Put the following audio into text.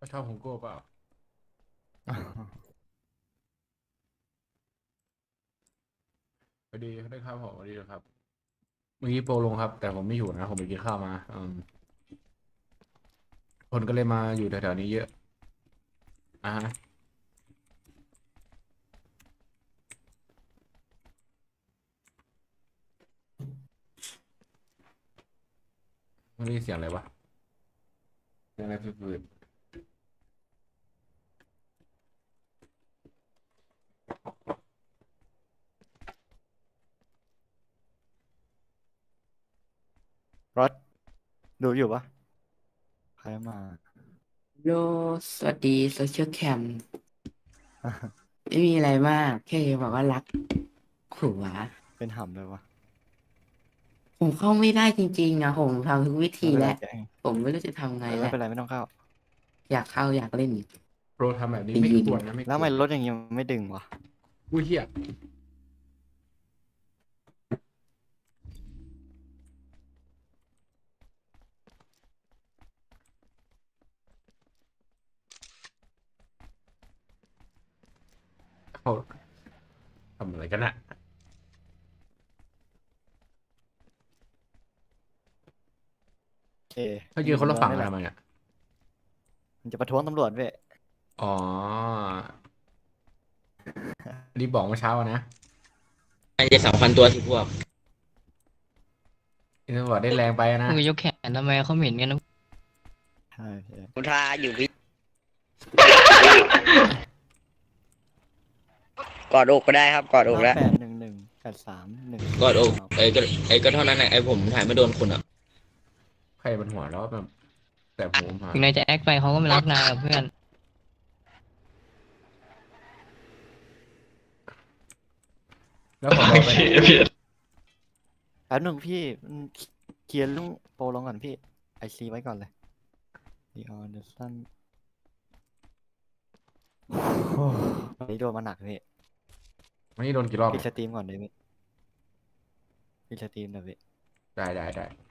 เขาชอบผมโก้เปล่าสวัสดีได้ครับผมสวัสดีครับเมื่อกี้โปรลงครับแต่ผมไม่อยู่นะผมไปกินข้าวมาคนก็เลยมาอยู่แถวๆนี้เยอะอ่ะฮะไม่ได้ยินเสียงอะไรวะเสียงอะไรฟืดรถดูอยู่ปะใครมาโลสวัสดีโซเชียลแคมไม่มีอะไรมากแค่จะบอกว่ารักผัวเป็นหำเลยวะผมเข้าไม่ได้จริงๆนะผมทำทุกวิธีไม่เป็นแล้วไรแกงผมไม่รู้จะทำไงแล้วไม่เป็นไรไม่ต้องเข้าอยากเข้าอยากเล่นโปรทำแบบไปนี้ไม่ยิงควรนะไม่แล้วทำไมควรรถอย่างงี้มันไม่ดึงวะอุ้ยเหี้ยเขาทำอะไรกันอะโอเคเขายือยู่นคนละฝั่งในเมืองนี่แหละกันทำไมอะมันจะประท้วงตำรวจเว้ยอ๋อรีบบอกเมื่อเช้าอะนะน่าจะ2,000 ตัวสิพวกอินทวอร์ดได้แรงไปนะมือยกแขนทำไมเขาเหม็นกันนะใช่ใช่คุณทาอยู่พี่กอดอกก็ได้ครับกอดอกแล้ว 581183 กอดอกไอ้ก็เท่านั้นแหละไอ้ผมถ่ายไม่โดนคุณอ่ะใครมันหัวแล้วแบบแต่หูมาถึงนายจะแอคไปเขาก็ไม่รักนายกับเพื่อนแล้วขอบอกไปไหนแป๊บหนึ่งพี่เคลียร์ลุงโปรลงก่อนพี่ไอซีไว้ก่อนเลยดีออนเดอร์สันวันนี้โดนมาหนักพี่วันนี้โดนกี่รอบปิดเนี่ยสตรีมก่อนเลยพี่ปิดสตรีมเดี๋ยวพี่ได้